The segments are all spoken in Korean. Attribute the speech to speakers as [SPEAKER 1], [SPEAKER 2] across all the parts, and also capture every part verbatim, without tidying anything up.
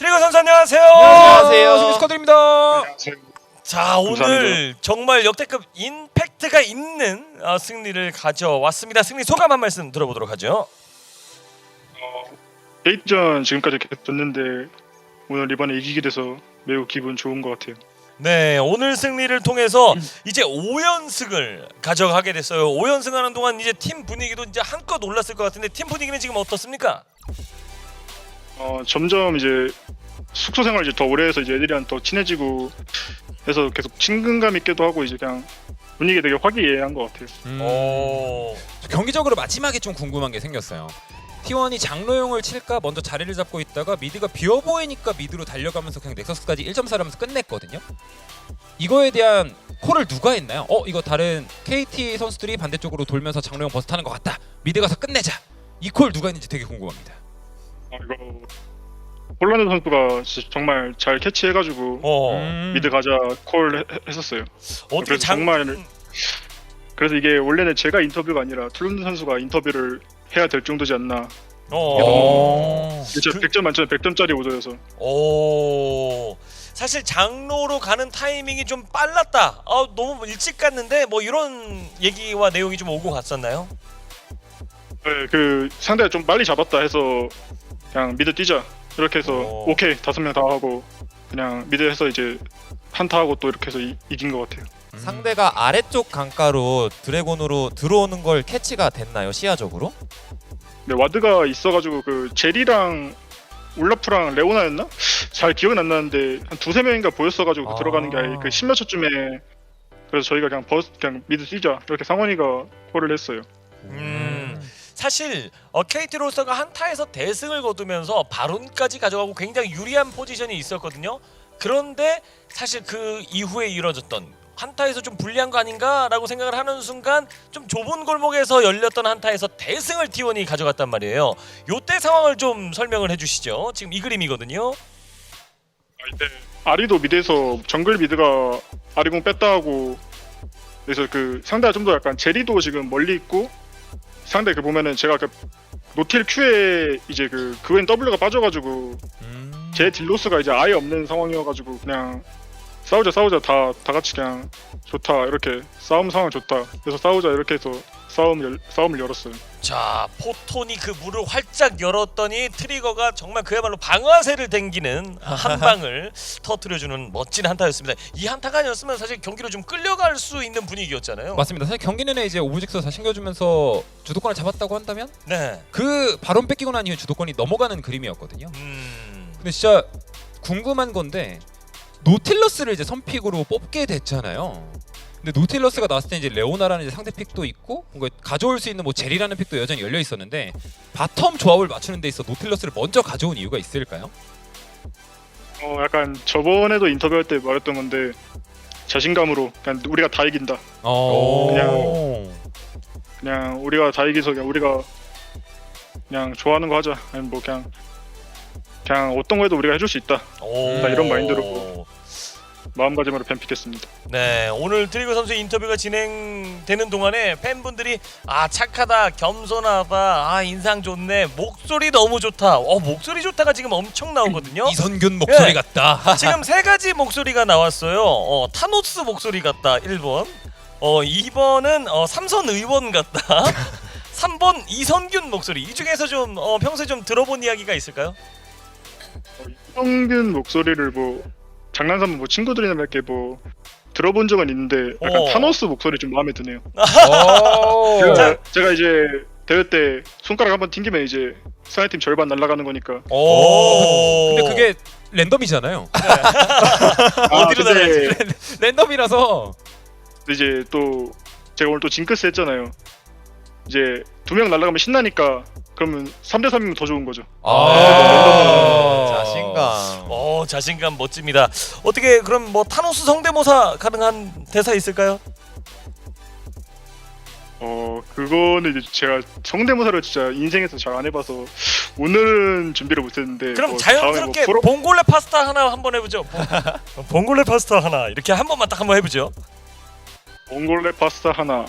[SPEAKER 1] 트리거 선수 안녕하세요.
[SPEAKER 2] 안녕하세요. 승리 축하드립니다.
[SPEAKER 1] 자, 오늘 정말 역대급 임팩트가 있는 어, 승리를 가져왔습니다. 승리 소감 한 말씀 들어보도록 하죠.
[SPEAKER 3] 어, 데이트전 지금까지 계속 졌는데 오늘 이번에 이기게 돼서 매우 기분 좋은 것 같아요.
[SPEAKER 1] 네, 오늘 승리를 통해서 이제 오 연승을 가져가게 됐어요. 오 연승하는 동안 이제 팀 분위기도 이제 한껏 올랐을 것 같은데 팀 분위기는 지금 어떻습니까?
[SPEAKER 3] 어, 점점 이제 숙소 생활 이제 더 오래 해서 이제 애들이랑 더 친해지고 해서 계속 친근감 있게도 하고 이제 그냥 분위기 되게 화기애애한 것 같아요.
[SPEAKER 2] 음,
[SPEAKER 1] 오.
[SPEAKER 2] 경기적으로 마지막에 좀 궁금한 게 생겼어요. 티 원이 장로용을 칠까 먼저 자리를 잡고 있다가 미드가 비어 보이니까 미드로 달려가면서 그냥 넥서스까지 일 점 사를 하면서 끝냈거든요. 이거에 대한 콜을 누가 했나요? 어 이거 다른 케이티 선수들이 반대쪽으로 돌면서 장로용 버스 타는 것 같다. 미드 가서 끝내자. 이 콜 누가 했는지 되게 궁금합니다.
[SPEAKER 3] 어, 이거 폴란드 선수가 진짜 정말 잘 캐치해가지고
[SPEAKER 1] 어.
[SPEAKER 2] 음.
[SPEAKER 3] 미드 가자 콜 해- 했었어요.
[SPEAKER 1] 어떻게
[SPEAKER 3] 그래서
[SPEAKER 1] 장
[SPEAKER 3] 정말 그래서 이게 원래는 제가 인터뷰가 아니라 툴룬드 선수가 인터뷰를 해야 될 정도지 않나.
[SPEAKER 1] 어.
[SPEAKER 3] 진짜
[SPEAKER 1] 그-
[SPEAKER 3] 백 점 만점에 백 점짜리 오더여서.
[SPEAKER 1] 오. 사실 장로로 가는 타이밍이 좀 빨랐다. 아, 너무 일찍 갔는데 뭐 이런 얘기와 내용이 좀 오고 갔었나요?
[SPEAKER 3] 네, 그 상대가 좀 빨리 잡았다 해서 그냥 미드 뛰자 이렇게 해서
[SPEAKER 1] 오.
[SPEAKER 3] 오케이 다섯 명 다 하고 그냥 미드에서 이제 한타 하고 또 이렇게 해서 이, 이긴 것 같아요.
[SPEAKER 2] 음.
[SPEAKER 4] 상대가 아래쪽 강가로 드래곤으로 들어오는 걸 캐치가 됐나요? 시야적으로?
[SPEAKER 3] 근데 와드가 있어가지고 그 제리랑 울라프랑 레오나였나? 잘 기억은 안 나는데 한 두세 명인가 보였어가지고 그
[SPEAKER 4] 아.
[SPEAKER 3] 들어가는 게 아예 그 십몇 초쯤에 그래서 저희가 그냥 버스 그냥 미드 뛰자 이렇게 상원이가 콜을 했어요.
[SPEAKER 1] 음. 사실 어, 케이티 로스터가 한타에서 대승을 거두면서 바론까지 가져가고 굉장히 유리한 포지션이 있었거든요. 그런데 사실 그 이후에 이뤄졌던 한타에서 좀 불리한 거 아닌가라고 생각을 하는 순간 좀 좁은 골목에서 열렸던 한타에서 대승을 티 원이 가져갔단 말이에요. 요때 상황을 좀 설명을 해주시죠. 지금 이 그림이거든요.
[SPEAKER 3] 아, 이때 아리도 미드에서 정글 미드가 아리공 뺐다 하고 그래서 그 상대가 좀 더 약간 제리도 지금 멀리 있고 상대 그 보면은 제가 그 노틸 Q에 이제 그 그웬 W가 빠져가지고
[SPEAKER 4] 음.
[SPEAKER 3] 제 딜로스가 이제 아예 없는 상황이어가지고 그냥 싸우자 싸우자 다 다 같이 그냥 좋다 이렇게 싸움 상황 좋다 그래서 싸우자 이렇게 해서 싸움 열, 싸움을 열었어요.
[SPEAKER 1] 자, 포톤이 그 문을 활짝 열었더니 트리거가 정말 그야말로 방아쇠를 당기는 한 방을 터뜨려주는 멋진 한타였습니다. 이 한타가 아니었으면 사실 경기로 좀 끌려갈 수 있는 분위기였잖아요.
[SPEAKER 2] 맞습니다. 사실 경기 내내 이제 오브젝트가 다 챙겨주면서 주도권을 잡았다고 한다면
[SPEAKER 1] 네.
[SPEAKER 2] 그 바론 뺏기고 난 이후 주도권이 넘어가는 그림이었거든요.
[SPEAKER 1] 음.
[SPEAKER 2] 근데 진짜 궁금한 건데 노틸러스를 이제 선픽으로 뽑게 됐잖아요. 근데 노틸러스가 나왔을 때 이제 레오나라는 이제 상대 픽도 있고 뭔가 가져올 수 있는 뭐 제리라는 픽도 여전히 열려 있었는데 바텀 조합을 맞추는 데 있어 노틸러스를 먼저 가져온 이유가 있을까요?
[SPEAKER 3] 어 약간 저번에도 인터뷰할 때 말했던 건데 자신감으로 그냥 우리가 다 이긴다.
[SPEAKER 2] 어.
[SPEAKER 3] 그냥- 그냥 우리가 다 이기서 그냥 우리가 그냥 좋아하는 거 하자. 아니 뭐 그냥 그냥 어떤 거 해도 우리가 해줄 수 있다.
[SPEAKER 1] 오.
[SPEAKER 3] 이런 마인드로. 마음가짐으로 뱀픽했습니다.
[SPEAKER 1] 네, 오늘 트리거 선수 인터뷰가 진행되는 동안에 팬분들이 아 착하다, 겸손하다, 아 인상 좋네, 목소리 너무 좋다. 어 목소리 좋다가 지금 엄청 나오거든요.
[SPEAKER 2] 이선균 목소리
[SPEAKER 1] 예.
[SPEAKER 2] 같다.
[SPEAKER 1] 지금 세 가지 목소리가 나왔어요. 어, 타노스 목소리 같다. 일 번. 어, 이 번은 어, 삼선 의원 같다. 삼 번 이선균 목소리. 이 중에서 좀 어, 평소에 좀 들어본 이야기가 있을까요?
[SPEAKER 3] 어, 이성균 목소리를 뭐 장난삼아 뭐 친구들이나 몇 개 뭐 들어본 적은 있는데 약간
[SPEAKER 1] 오.
[SPEAKER 3] 타노스 목소리 좀 마음에 드네요.
[SPEAKER 2] 오.
[SPEAKER 3] 제가, 제가 이제 대회 때 손가락 한번 튕기면 이제 상대팀 절반 날아가는 거니까.
[SPEAKER 1] 오.
[SPEAKER 2] 근데 그게 랜덤이잖아요.
[SPEAKER 1] 어디로
[SPEAKER 3] 근데
[SPEAKER 1] 나갈지.
[SPEAKER 2] 랜덤이라서
[SPEAKER 3] 이제 또 제가 오늘 또 징크스 했잖아요. 이제 두 명 날아가면 신나니까 그러면 삼 대 삼이면 더 좋은 거죠.
[SPEAKER 4] 아, 자신감.
[SPEAKER 1] 어 자신감 멋집니다. 어떻게 그럼 뭐 타노스 성대모사 가능한 대사 있을까요?
[SPEAKER 3] 어 그거는 이제 제가 성대모사를 진짜 인생에서 잘 안 해봐서 오늘은 준비를 못했는데
[SPEAKER 1] 그럼
[SPEAKER 3] 뭐
[SPEAKER 1] 자연스럽게
[SPEAKER 3] 다음에 뭐
[SPEAKER 1] 봉골레 파스타 하나 한번 해보죠. 봉- 봉골레 파스타 하나 이렇게 한 번만 딱 한번 해보죠.
[SPEAKER 3] 몽골레 파스타 하나.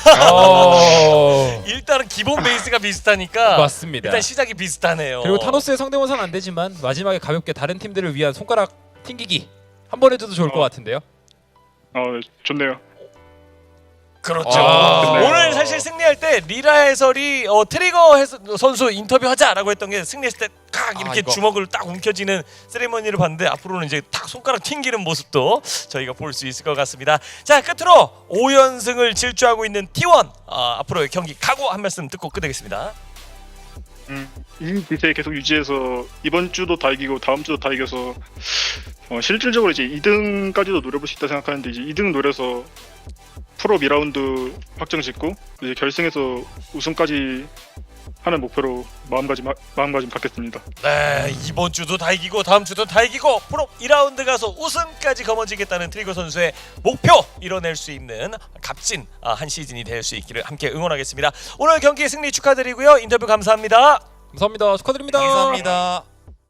[SPEAKER 2] 어...
[SPEAKER 1] 일단은 기본 베이스가 비슷하니까
[SPEAKER 2] 맞습니다.
[SPEAKER 1] 일단 시작이 비슷하네요.
[SPEAKER 2] 그리고 타노스의 성대모사는 안 되지만 마지막에 가볍게 다른 팀들을 위한 손가락 튕기기 한 번 해줘도 좋을 것
[SPEAKER 3] 어.
[SPEAKER 2] 같은데요.
[SPEAKER 3] 어 네, 좋네요.
[SPEAKER 1] 그렇죠.
[SPEAKER 2] 아.
[SPEAKER 1] 오늘 사실 승리할 때 리라 해설이 어, 트리거 해서, 선수 인터뷰하자라고 했던 게 승리했을 때 칵 이렇게
[SPEAKER 4] 아, 이거.
[SPEAKER 1] 주먹을 딱 움켜쥐는 세리머니를 봤는데 앞으로는 이제 딱 손가락 튕기는 모습도 저희가 볼 수 있을 것 같습니다. 자, 끝으로 오 연승을 질주하고 있는 티 원 어, 앞으로의 경기 각오 한 말씀 듣고 끝내겠습니다.
[SPEAKER 3] 음, 이 기세 계속 유지해서 이번 주도 다 이기고 다음 주도 다 이겨서 어, 실질적으로 이제 이 등까지도 노려볼 수 있다 생각하는데 이제 이 등 노려서 프로 이 라운드 확정 짓고 이제 결승에서 우승까지 하는 목표로 마음가짐 마음가짐 갖겠습니다.
[SPEAKER 1] 네, 이번 주도 다 이기고 다음 주도 다 이기고 프로 이 라운드 가서 우승까지 거머쥐겠다는 트리거 선수의 목표 이뤄낼 수 있는 값진 아, 한 시즌이 될 수 있기를 함께 응원하겠습니다. 오늘 경기 승리 축하드리고요. 인터뷰 감사합니다.
[SPEAKER 2] 감사합니다. 축하드립니다.
[SPEAKER 4] 감사합니다.